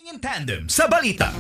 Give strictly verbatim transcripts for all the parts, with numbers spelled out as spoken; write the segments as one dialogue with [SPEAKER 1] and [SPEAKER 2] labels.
[SPEAKER 1] In tandem sa balita.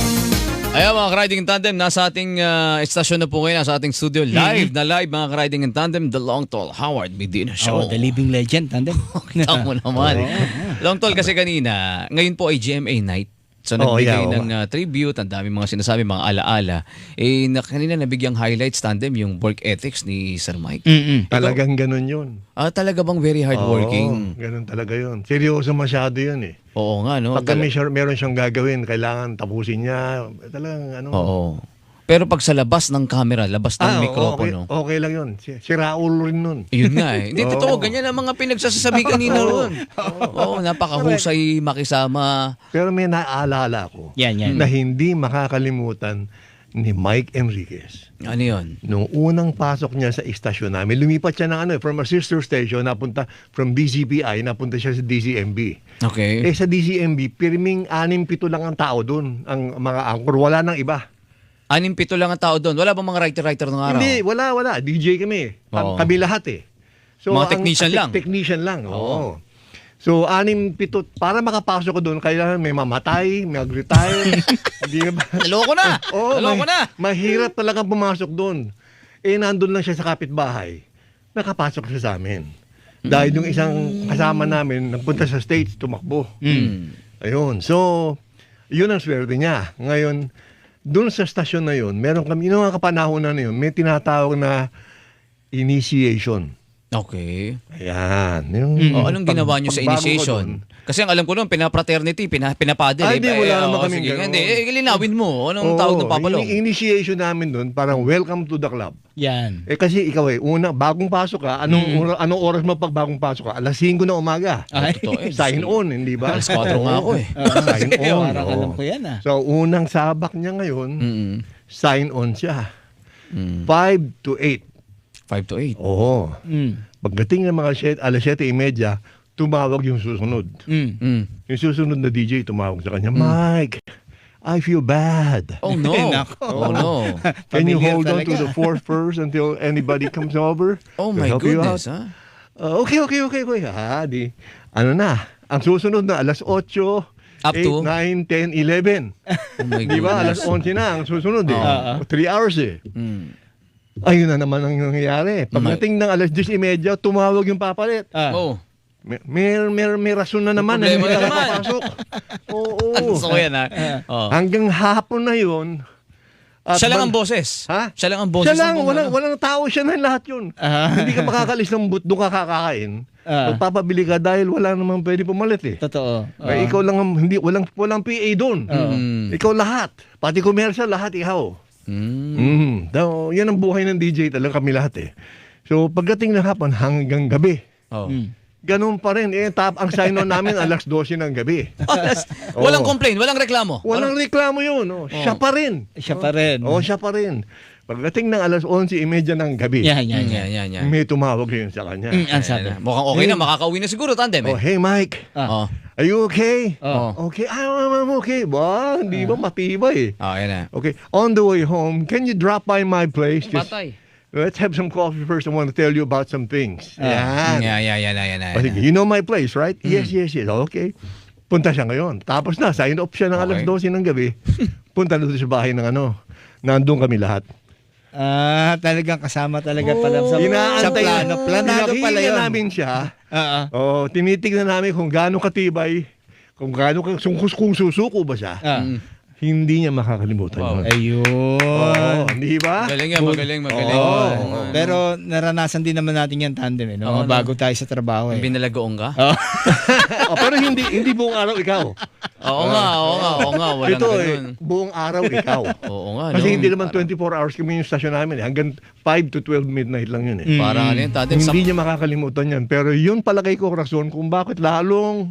[SPEAKER 2] Ayan mga ka-riding in tandem, nasa ating uh, estasyon na po ngayon, nasa ating studio. Live na live mga ka-riding in tandem, The Long Tall Howard Medina Show.
[SPEAKER 3] Oh, the living legend, tandem.
[SPEAKER 2] Kita mo naman. Long Tall kasi kanina, ngayon po ay G M A night. So
[SPEAKER 4] Oh,
[SPEAKER 2] nagbigay
[SPEAKER 4] yeah,
[SPEAKER 2] ng uh, tribute, ang dami mga sinasabi, mga alaala. Eh, na, kanina nabigyang highlights tandem yung work ethics ni Sir Mike.
[SPEAKER 3] Mm-mm.
[SPEAKER 4] Talagang ganun yun.
[SPEAKER 2] Ah, talaga bang very hardworking?
[SPEAKER 4] Oo, ganun talaga yun. Seryoso masyado yun eh.
[SPEAKER 2] Oo nga, no?
[SPEAKER 4] Pagka
[SPEAKER 2] Tala-
[SPEAKER 4] may siya- meron siyang gagawin, kailangan tapusin niya. Talagang ano.
[SPEAKER 2] Oo. Pero pag sa labas ng camera, labas ng
[SPEAKER 4] Ah, oo,
[SPEAKER 2] mikropono,
[SPEAKER 4] okay, okay lang yun. Si, si Raul rin nun.
[SPEAKER 2] yun nga eh. Hindi,
[SPEAKER 4] Oo.
[SPEAKER 2] totoo. Ganyan ang mga pinagsasabi kanina ron. Oo, napakahusay makisama.
[SPEAKER 4] Pero may naaalala ko
[SPEAKER 3] Yan, yan.
[SPEAKER 4] na hindi makakalimutan ni Mike Enriquez.
[SPEAKER 2] Ano yun?
[SPEAKER 4] Nung unang pasok niya sa istasyon namin, lumipat siya ng ano, eh, from a sister station, napunta from D C P I, napunta siya sa D C M B.
[SPEAKER 2] Okay.
[SPEAKER 4] Eh sa D C M B, pirming anim pito lang ang tao doon, ang mga anchor, wala nang iba.
[SPEAKER 2] Anim-pito lang ang tao doon. Wala bang mga writer-writer ng araw?
[SPEAKER 4] Hindi, wala, wala. D J kami.
[SPEAKER 2] Oo.
[SPEAKER 4] Kami lahat eh. So,
[SPEAKER 2] Mga
[SPEAKER 4] ang-
[SPEAKER 2] technician
[SPEAKER 4] te-
[SPEAKER 2] lang.
[SPEAKER 4] Technician lang, oo.
[SPEAKER 2] Oo.
[SPEAKER 4] So, anim, pito, para makapasok ko doon, kailangan may mamatay, may mag-retire. Hindi ba?
[SPEAKER 2] Naloko na!
[SPEAKER 4] Oo,
[SPEAKER 2] Naloko
[SPEAKER 4] ma-
[SPEAKER 2] na!
[SPEAKER 4] mahirap talagang pumasok doon. Eh, nandun lang siya sa kapitbahay. Nakapasok siya sa amin. Dahil yung isang kasama namin, nagpunta sa States, tumakbo.
[SPEAKER 2] Mm.
[SPEAKER 4] Ayun. So, yun ang swerte niya. Ngayon, doon sa stasyon na yun, meron kami, yung mga kapanahon na yun, may tinatawag na initiation.
[SPEAKER 2] Okay.
[SPEAKER 4] Ayan. Yung,
[SPEAKER 2] O, anong
[SPEAKER 4] pag-
[SPEAKER 2] ginawa niyo sa
[SPEAKER 4] pagbago ko
[SPEAKER 2] initiation?
[SPEAKER 4] doon,
[SPEAKER 2] Kasi ang alam ko noon, pinapraternity, pina, pinapadel.
[SPEAKER 4] Ay, di, wala naman
[SPEAKER 2] oo,
[SPEAKER 4] kaming
[SPEAKER 2] sige.
[SPEAKER 4] ganun.
[SPEAKER 2] Hindi, eh, linawin mo. Anong
[SPEAKER 4] oo,
[SPEAKER 2] tawag ng papalong?
[SPEAKER 4] yung initiation namin doon, parang welcome to the club.
[SPEAKER 3] Yan.
[SPEAKER 4] Eh kasi ikaw eh, una, bagong pasok ka, anong,
[SPEAKER 2] Mm.
[SPEAKER 4] ora- anong oras mo pag bagong pasok ka? alas singko na umaga.
[SPEAKER 3] Ay.
[SPEAKER 2] Totoo eh.
[SPEAKER 4] Sign on, hindi ba?
[SPEAKER 2] Alas kwatro nga ako eh.
[SPEAKER 4] Sign on.
[SPEAKER 3] Parang
[SPEAKER 4] oo.
[SPEAKER 3] alam ko yan ah.
[SPEAKER 4] So, unang sabak niya ngayon,
[SPEAKER 2] Mm.
[SPEAKER 4] sign on siya.
[SPEAKER 2] Mm.
[SPEAKER 4] five to eight.
[SPEAKER 2] Five to eight.
[SPEAKER 4] Oo.
[SPEAKER 3] Mm.
[SPEAKER 4] Pagdating ng mga set, alas siyete trenta, tumawag yung susunod.
[SPEAKER 3] Mm.
[SPEAKER 2] Mm.
[SPEAKER 4] Yung susunod na D J tumawag sa kanya, Mike, I feel bad.
[SPEAKER 2] Oh no.
[SPEAKER 3] Nako.
[SPEAKER 2] Oh no.
[SPEAKER 4] Can you
[SPEAKER 3] Familiar
[SPEAKER 4] hold on to
[SPEAKER 3] talaga.
[SPEAKER 4] the fourth first until anybody comes over?
[SPEAKER 2] Oh
[SPEAKER 4] to
[SPEAKER 2] my
[SPEAKER 4] help you
[SPEAKER 2] goodness,
[SPEAKER 4] out?"
[SPEAKER 2] ha?
[SPEAKER 4] Uh, okay, okay, okay, okay. Ah, di. Ano na? Ang susunod na alas otso,
[SPEAKER 2] Up
[SPEAKER 4] eight,
[SPEAKER 2] to?
[SPEAKER 4] nine, ten, eleven.
[SPEAKER 2] Oh my
[SPEAKER 4] Di ba? Alas
[SPEAKER 2] goodness.
[SPEAKER 4] onse na ang susunod eh.
[SPEAKER 3] Oo.
[SPEAKER 4] Three hours eh.
[SPEAKER 2] Mm.
[SPEAKER 4] Ayun na naman ang nangyayari. Pagdating ng alas diyes trenta, tumawag yung papalit.
[SPEAKER 3] Ah.
[SPEAKER 2] Oh.
[SPEAKER 4] May, may, may, may rason na naman.
[SPEAKER 2] May problema
[SPEAKER 4] na
[SPEAKER 2] na
[SPEAKER 4] hindi
[SPEAKER 2] naman.
[SPEAKER 4] nakapasok. Oo.
[SPEAKER 2] Gusto ko yan, ha? Oh.
[SPEAKER 4] Hanggang hapon na yun. at
[SPEAKER 2] Siya lang ang
[SPEAKER 4] mag-
[SPEAKER 2] boses.
[SPEAKER 4] Ha?
[SPEAKER 2] Siya lang ang boses.
[SPEAKER 4] Siya lang.
[SPEAKER 2] ng buong
[SPEAKER 4] Walang,
[SPEAKER 2] ano.
[SPEAKER 4] walang tao siya na lahat yun.
[SPEAKER 3] Ah.
[SPEAKER 4] Hindi ka makakalis ng but doon ka kakakain.
[SPEAKER 3] Ah.
[SPEAKER 4] Magpapabili ka dahil wala namang pwede pumalit eh.
[SPEAKER 3] Totoo.
[SPEAKER 4] Ay, ikaw lang, ang- hindi, walang, walang P A doon.
[SPEAKER 2] Mm.
[SPEAKER 4] Ikaw lahat. Pati commercial, lahat ikaw.
[SPEAKER 2] Mm.
[SPEAKER 4] Mm. So, yan ang buhay ng D J talaga kami lahat eh. So, pagdating ng hapon hanggang gabi,
[SPEAKER 2] Oh.
[SPEAKER 3] Mm.
[SPEAKER 4] ganun pa rin. Eh, tap, ang sign-on namin alas dose ng gabi.
[SPEAKER 2] Walang
[SPEAKER 4] Oo.
[SPEAKER 2] complaint, walang reklamo.
[SPEAKER 4] Walang reklamo yun. Oh. Siya pa rin.
[SPEAKER 3] Siya pa rin.
[SPEAKER 4] Oh, siya pa rin. Pagdating ng alas onse trenta ng gabi,
[SPEAKER 3] Yan, yan,
[SPEAKER 2] Yan,
[SPEAKER 3] yan.
[SPEAKER 2] yan, yan.
[SPEAKER 4] may tumawag yun sa kanya.
[SPEAKER 3] Mm, ang sabi.
[SPEAKER 2] Ayan na. Mukhang okay na, makakauwi na siguro, tandem
[SPEAKER 4] Oh,
[SPEAKER 2] eh.
[SPEAKER 4] hey Mike,
[SPEAKER 3] Ah.
[SPEAKER 2] Oh.
[SPEAKER 4] are you okay?
[SPEAKER 2] Oh.
[SPEAKER 4] Okay, I'm, I'm okay. Ba, hindi ba matibay?
[SPEAKER 2] Oh, yan na.
[SPEAKER 4] Okay, on the way home, can you drop by my place? Just,
[SPEAKER 2] Patay.
[SPEAKER 4] let's have some coffee first. I want to tell you about some things. Yan.
[SPEAKER 2] Yan, yan, yan, yan, yan.
[SPEAKER 4] O, sige, you know my place, right? Yes, yes, yes. Okay. Punta siya ngayon. Tapos na, sign off siya ng alas
[SPEAKER 2] Okay.
[SPEAKER 4] dose ng gabi. Punta na doon sa bahay ng ano. Nandun kami lahat.
[SPEAKER 3] Ah, talagang kasama talaga pala sa, sa
[SPEAKER 4] Inaantay-
[SPEAKER 3] plano. Planado pala
[SPEAKER 4] Pinakinggan
[SPEAKER 3] yun.
[SPEAKER 4] namin siya.
[SPEAKER 3] Oo.
[SPEAKER 4] Oh, tinitignan namin kung gaano katibay, kung gaano ka- kung, kung susuko ba siya.
[SPEAKER 3] Ah.
[SPEAKER 4] Hindi niya makakalimutan
[SPEAKER 2] Wow.
[SPEAKER 4] yun.
[SPEAKER 3] Ayun.
[SPEAKER 4] Oo, hindi ba?
[SPEAKER 2] Magaling yan, magaling, magaling.
[SPEAKER 4] Oo.
[SPEAKER 2] Oo.
[SPEAKER 3] Pero naranasan din naman natin yan tandem eh, no?
[SPEAKER 2] Oo,
[SPEAKER 3] Bago tayo sa trabaho eh.
[SPEAKER 2] Binalagoong ka?
[SPEAKER 4] Oh, pero hindi hindi buong araw ikaw.
[SPEAKER 2] Oo nga, oo nga, oo nga. Walang
[SPEAKER 4] Ito eh,
[SPEAKER 2] ganun.
[SPEAKER 4] buong araw ikaw.
[SPEAKER 2] Oo nga,
[SPEAKER 4] Kasi
[SPEAKER 2] no?
[SPEAKER 4] hindi naman twenty-four hours kami yung stasyon namin. Eh. Hanggang five to twelve midnight lang yun eh.
[SPEAKER 3] Mm.
[SPEAKER 2] Parang ano yun, tandem. Sa...
[SPEAKER 4] Hindi niya makakalimutan yan. Pero yun palagay ko rason kung bakit lalong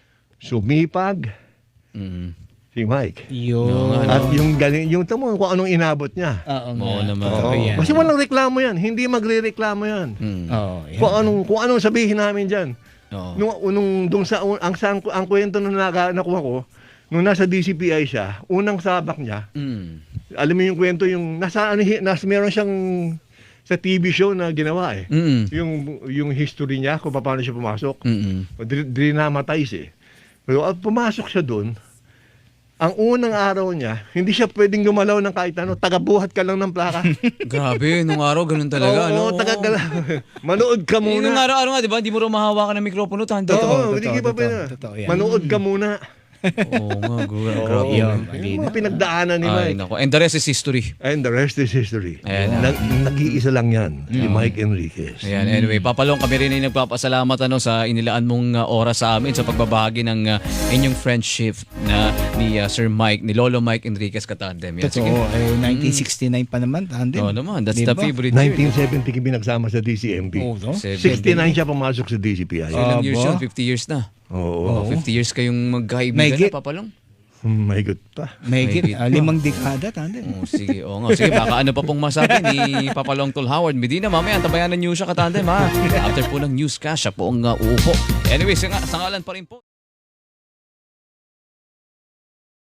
[SPEAKER 4] sumipag
[SPEAKER 2] Mm.
[SPEAKER 4] si Mike.
[SPEAKER 3] Yun.
[SPEAKER 2] Oo nga,
[SPEAKER 4] At yung galing, yung tamo kung anong inabot niya.
[SPEAKER 3] Oo
[SPEAKER 2] Oo
[SPEAKER 3] nga.
[SPEAKER 2] naman.
[SPEAKER 3] Totoo
[SPEAKER 4] Oo.
[SPEAKER 3] yan.
[SPEAKER 4] Kasi walang reklamo yan. Hindi magre-reklamo yan.
[SPEAKER 2] Mm.
[SPEAKER 3] Oo, yan.
[SPEAKER 4] Kung anong, kung anong sabihin namin dyan.
[SPEAKER 2] Oo.
[SPEAKER 4] Nung, nung, nung sa, ang, ang, ang kwento na naka, nakuha ko, nung nasa D C P I siya, unang sabak niya,
[SPEAKER 2] Mm.
[SPEAKER 4] alam mo yung kwento, yung nasa, ano, hi- nas, meron siyang sa T V show na ginawa eh.
[SPEAKER 2] Mm.
[SPEAKER 4] Yung, yung history niya, kung paano siya pumasok.
[SPEAKER 2] Mm.
[SPEAKER 4] Dri- Drinamatize eh. Pero at pumasok siya doon, ang unang araw niya, hindi siya pwedeng gumalaw ng kahit ano, tagabuhat ka lang ng plaka.
[SPEAKER 2] Grabe, nung araw ganun talaga.
[SPEAKER 4] Oo,
[SPEAKER 2] no?
[SPEAKER 4] taga manood ka
[SPEAKER 2] Eh, nung
[SPEAKER 4] muna.
[SPEAKER 2] araw-araw nga, di ba? Hindi mo rin mahawakan ng mikropono. Tandem.
[SPEAKER 4] Oo,
[SPEAKER 3] Totoo,
[SPEAKER 4] hindi
[SPEAKER 3] totoo,
[SPEAKER 4] ka pa pwede.
[SPEAKER 3] totoo, totoo yan.
[SPEAKER 4] Manood ka muna.
[SPEAKER 2] Oo nga, gra-
[SPEAKER 4] Oo,
[SPEAKER 2] grabe.
[SPEAKER 3] yun.
[SPEAKER 4] yung mga pinagdaanan ni
[SPEAKER 2] Ay,
[SPEAKER 4] Mike.
[SPEAKER 2] nako. And the rest is history.
[SPEAKER 4] And the rest is history.
[SPEAKER 2] Ayan.
[SPEAKER 4] Nag, nag-iisa lang yan, si Mike Enriquez.
[SPEAKER 2] Ayan, anyway, Papalong, kami rin ay nagpapasalamat ano, sa inilaan mong uh, oras sa amin sa pagbabahagi ng uh, inyong friendship na ni uh, Sir Mike, ni Lolo Mike Enriquez Katandem. Yan, sige.
[SPEAKER 3] Totoo, eh, nineteen sixty-nine pa naman, tandem.
[SPEAKER 2] Oo naman, that's
[SPEAKER 3] Di
[SPEAKER 2] the
[SPEAKER 3] ba?
[SPEAKER 2] favorite year.
[SPEAKER 4] nineteen seventy kami nagsama sa D C M P.
[SPEAKER 3] Oo, no?
[SPEAKER 4] sixty-nine siya pumasok sa D C P I.
[SPEAKER 2] Ilang
[SPEAKER 3] Ah,
[SPEAKER 2] years
[SPEAKER 3] ba?
[SPEAKER 2] yun? fifty years na.
[SPEAKER 4] Oo.
[SPEAKER 2] Oh, fifty years kayong magkaibigan
[SPEAKER 3] Mahigit.
[SPEAKER 2] na, Papalong.
[SPEAKER 4] Hmm, may good pa.
[SPEAKER 3] May
[SPEAKER 2] Mahigit
[SPEAKER 3] uh,
[SPEAKER 2] pa.
[SPEAKER 3] limang dekada, tandem.
[SPEAKER 2] Oh, sige, oo nga. Sige, baka ano pa pong masabi ni Papalong Tol Howard Medina. Mamaya, antabayan ng news siya Katandem ha. After po ng newscast, siya po ang uh, uupo. Anyway, sa, sa ngalan pa rin po.